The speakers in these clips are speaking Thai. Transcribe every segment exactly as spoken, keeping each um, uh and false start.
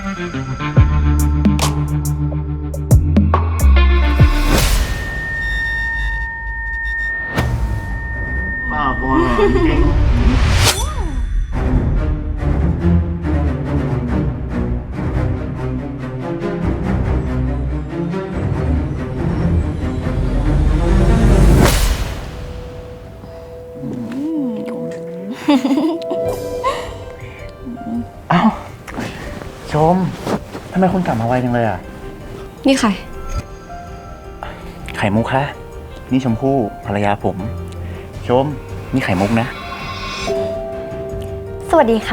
บ้าบอจริงเอ้าชมทำไมคุณกลับมาไวจังเลยอ่ะนี่ใครไข่มุกคะนี่ชมพู่ภรรยาผมชมนี่ไข่มุกนะสวัสดีค่ะ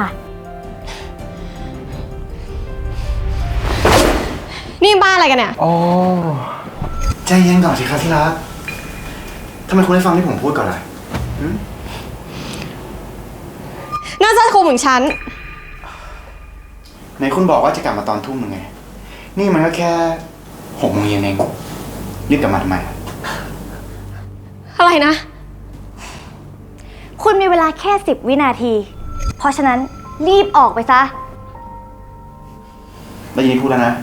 นี่บ้าอะไรกันเนี่ยโอ้ใจเย็นก่อนสิครับที่รักทำไมคุณไม่ฟังที่ผมพูดก่อนล่ะน่าจะคุมของฉันไหนคุณบอกว่าจะกลับมาตอนทุ่มหนึ่งไงนี่มันก็แค่หกโมงเย็นเองรีบกลับมาทำไมอะไรนะคุณมีเวลาแค่สิบวินาทีเพราะฉะนั้นรีบออกไปซะได้ยินพูดแล้วนะ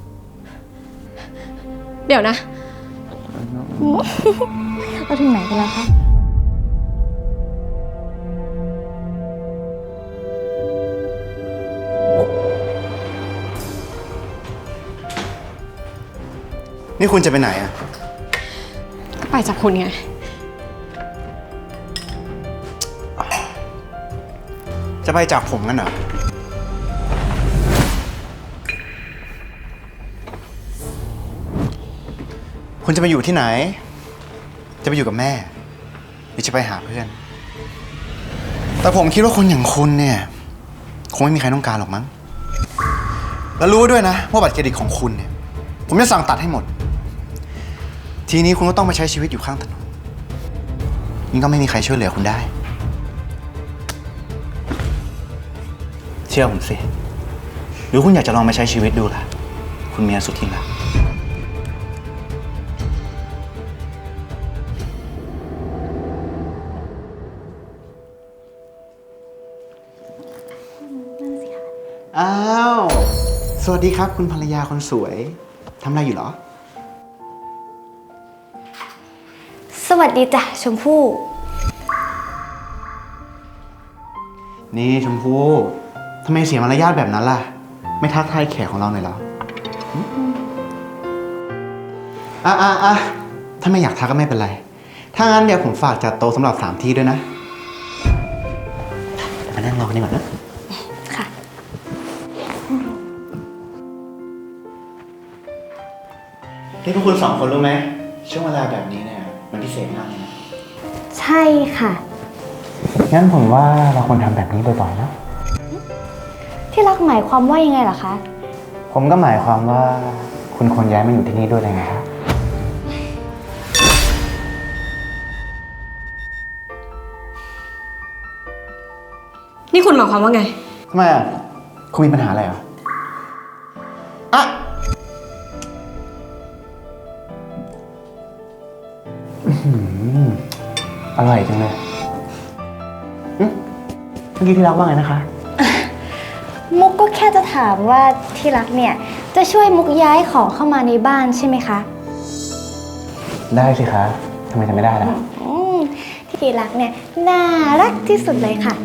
เดี๋ยวนะเราถึงไหนกันแล้วคะนี่คุณจะไปไหนอ่ะก็ไปจากคุณไงจะไปจากผมกันเหรอคุณจะไปอยู่ที่ไหนจะไปอยู่กับแม่หรือจะไปหาเพื่อนแต่ผมคิดว่าคนอย่างคุณเนี่ยคงไม่มีใครต้องการหรอกมั้งแล้วรู้ด้วยนะว่าบัตรเครดิตของคุณเนี่ยผมจะสั่งตัดให้หมดทีนี้คุณก็ต้องมาใช้ชีวิตอยู่ข้างถนนยิ่งก็ไม่มีใครช่วยเหลือคุณได้เชื่อผมสิหรือคุณอยากจะลองมาใช้ชีวิตดูล่ะคุณเมียสุดที่รักอ้าวสวัสดีครับคุณภรรยาคนสวยทำอะไรอยู่เหรอสวัสดีจ้ะชมพู่นี่ชมพู่ทำไมเสียมารยาทแบบนั้นล่ะไม่ทักทายแขกของเราหน่อยเหรออ่ะอ่ะอ่ะถ้าไม่อยากทักก็ไม่เป็นไรถ้างั้นเดี๋ยวผมฝากจัดโต๊ะสำหรับสามที่ด้วยนะมานั่งรอกันดีกว่านะค่ะนี่พวกคุณสองคนรู้ไหมช่วงเวลาแบบนี้เนี่ยมันพิเศษมากเลยนะใช่ค่ะงั้นผมว่าเราควรทำแบบนี้บ่อยๆนะที่รักหมายความว่ายังไงล่ะคะผมก็หมายความว่าคุณควรย้ายมาอยู่ที่นี่ด้วยเลยนะครับนี่คุณหมายความว่าไงทำไมอ่ะคุณมีปัญหาอะไรอ่ะอ่ะอร่อยจังเลยเมื่อกี้ที่รักว่าไงนะคะมุกก็แค่จะถามว่าที่รักเนี่ยจะช่วยมุกย้ายของเข้ามาในบ้านใช่ไหมคะได้สิคะทำไมจะไม่ได้ล่ะที่รักเนี่ยน่ารักที่สุดเลยค่ะ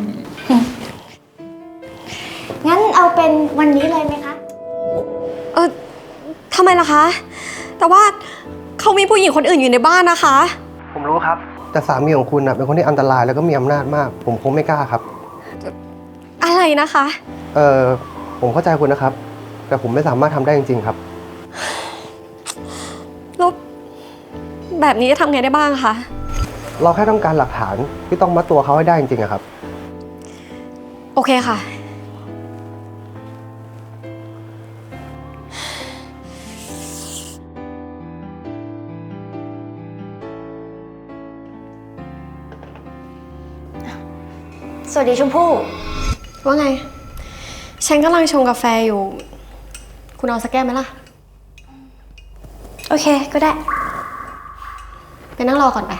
งั้นเอาเป็นวันนี้เลยไหมคะเออทำไมล่ะคะแต่ว่าเขามีผู้หญิงคนอื่นอยู่ในบ้านนะคะผมรู้ครับแต่สามีของคุณนะเป็นคนที่อันตรายแล้วก็มีอำนาจมากผมคงไม่กล้าครับอะไรนะคะเออผมเข้าใจคุณนะครับแต่ผมไม่สามารถทำได้จริงๆครับแล้วแบบนี้จะทำไงได้บ้างคะเราแค่ต้องการหลักฐานที่ต้องมัดตัวเขาให้ได้จริงๆอะครับโอเคค่ะสวัสดีชมพู่ว่าไงฉันกำลังชงกาแฟอยู่คุณเอาสักแก้วไหมล่ะโอเคก็ได้ไปนั่งรอก่อนไป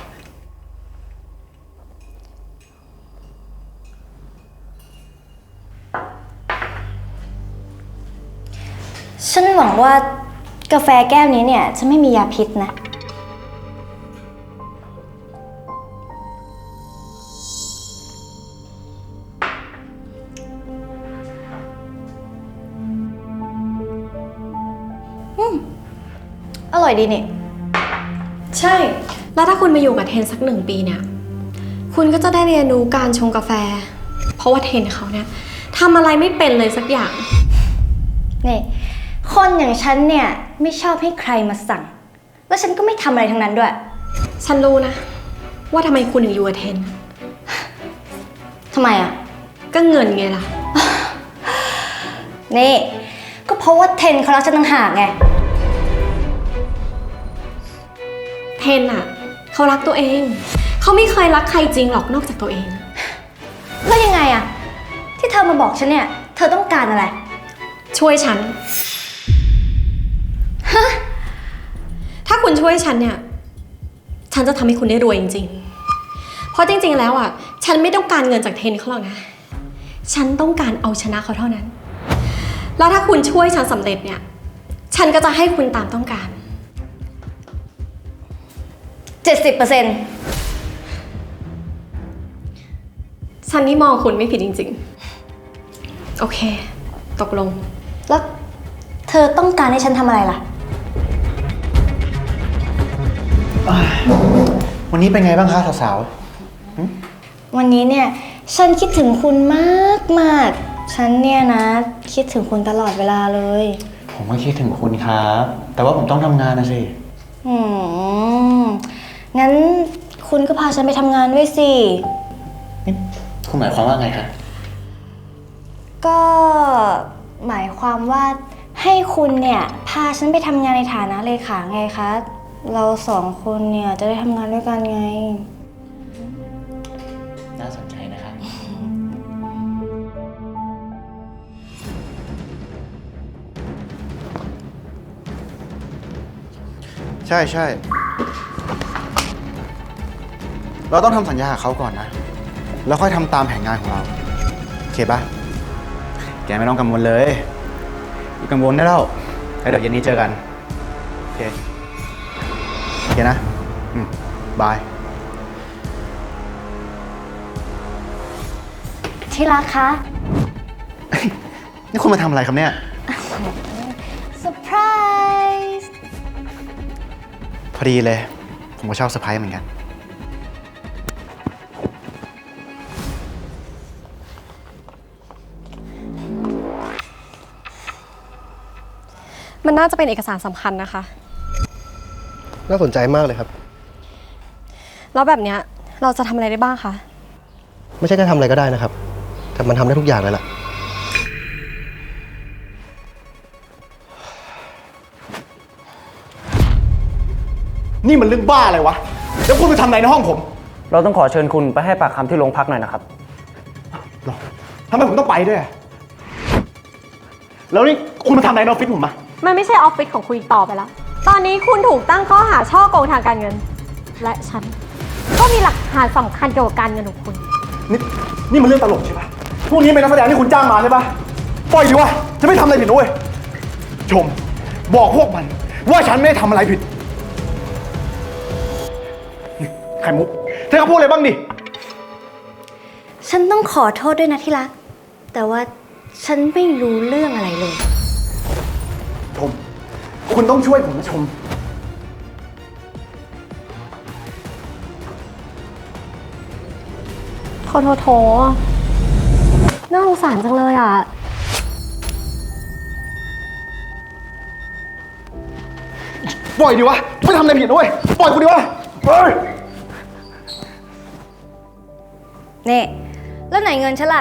ฉันหวังว่ากาแฟแก้วนี้เนี่ยจะไม่มียาพิษนะ อืม อร่อยดีนี่ใช่ แล้วถ้าคุณมาอยู่กับเทนสักหนึ่งปีเนี่ย คุณก็จะได้เรียนรู้การชงกาแฟ เพราะว่าเทนเขาเนี่ยทำอะไรไม่เป็นเลยสักอย่างนี่ คนอย่างฉันเนี่ยไม่ชอบให้ใครมาสั่ง แล้วฉันก็ไม่ทำอะไรทั้งนั้นด้วยฉันรู้นะ ว่าทำไมคุณถึงอยู่กับเทนทำไมอ่ะก็เงินไงล่ะนี่ ก็เพราะว่าเทนเขารักฉันต่างหากไงเทนอะเขารักตัวเอง เขาไม่เคยรักใครจริงหรอกนอกจากตัวเองแล้วยังไงอะที่เธอมาบอกฉันเนี่ย เธอต้องการอะไรช่วยฉันฮะถ้าคุณช่วยฉันเนี่ย ฉันจะทำให้คุณได้รวยจริงๆ เพราะจริงๆแล้วอ่ะ ฉันไม่ต้องการเงินจากเทนเขาหรอกนะ ฉันต้องการเอาชนะเขาเท่านั้น แล้วถ้าคุณช่วยฉันสำเร็จเนี่ย ฉันก็จะให้คุณตามต้องการเจ็ดสิบเปอร์เซ็นต์ฉันนี่มองคุณไม่ผิดจริงๆ โอเค ตกลงแล้วเธอต้องการให้ฉันทำอะไรล่ะวันนี้เป็นไงบ้างคะสาววันนี้เนี่ย ฉันคิดถึงคุณมากมากๆฉันเนี่ยนะ คิดถึงคุณตลอดเวลาเลยๆผมก็คิดถึงคุณครับ แต่ว่าผมต้องทำงานนะสิอืม งั้นคุณก็พาฉันไปทำงานด้วยสินี่คุณหมายความว่าไงคะก็หมายความว่าให้คุณเนี่ย พาฉันไปทำงานในฐานะเลขาไงคะ เราสองคนเนี่ยจะได้ทำงานด้วยกันไงน่าสนใจนะครับ ใช่ใช่ เราต้องทำสัญญากับเขาก่อนนะ แล้วค่อยทำตามแผนงานของเรา โอเคปะแกไม่ต้องกังวลเลยอย่ากังวลได้แล้วแล้วเดี๋ยวเย็นนี้เจอกัน โอเค โอเคนะ อืม บายที่รักคะนี่คุณมาทำอะไรครับเนี่ยเซอร์ไพรส์พอดีเลย ผมก็ชอบเซอร์ไพรส์เหมือนกันมันน่าจะเป็นเอกสารสำคัญนะคะน่าสนใจมากเลยครับแล้วแบบเนี้ยเราจะทำอะไรได้บ้างคะไม่ใช่แค่ทำอะไรก็ได้นะครับ แต่มันทำได้ทุกอย่างเลยล่ะนี่มันเรื่องบ้าอะไรวะ แล้วคุณไปทำอะไรในห้องผมเราต้องขอเชิญคุณไปให้ปากคำที่โรงพักหน่อยนะครับหรอทำไมผมต้องไปด้วย แล้วนี่คุณมาทำอะไรในออฟฟิศผมอะมันไม่ใช่ออฟฟิศของคุณอีกต่อไปแล้ว ตอนนี้คุณถูกตั้งข้อหาช่อโกงทางการเงิน และฉันก็มีหลักฐานสำคัญเกี่ยวกับการเงินของคุณนี่นี่มันเรื่องตลกใช่ปะพวกนี้เป็นนักแสดงที่คุณจ้างมาใช่ปะปล่อยดิวะจะไม่ทำอะไรผิดด้วยชม บอกพวกมัน ว่าฉันไม่ได้ทำอะไรผิดนี่ไข่มุกเธอก็พูดอะไรบ้างดิฉันต้องขอโทษด้วยนะที่รัก แต่ว่าฉันไม่รู้เรื่องอะไรเลยชม คุณต้องช่วยผมนะชมโถโถโถน่าสงสารจังเลยอ่ะปล่อยดิวะไม่ทำอะไรผิดด้วยปล่อยกูดิวะเฮ้ยนี่ แล้วไหนเงินฉันล่ะ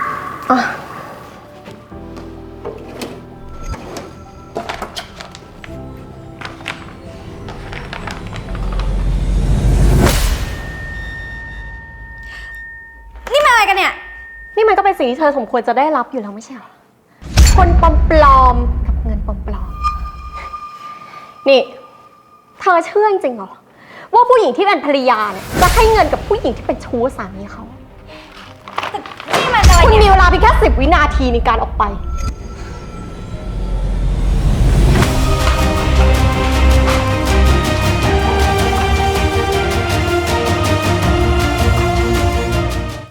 นี่มาอะไรกันเนี่ยนี่มันก็เป็นสิ่งที่เธอสมควรจะได้รับอยู่แล้วไม่ใช่เหรอ คนปลอมๆกับเงินปลอมๆ นี่ เธอเชื่อจริงๆเหรอ ว่าผู้หญิงที่เป็นภรรยาเนี่ยจะให้เงินกับผู้หญิงที่เป็นชู้สามีเขานี่มันอะไรคุณเนี่ยมีเวลาเพียงแค่สิบวินาทีในการออกไป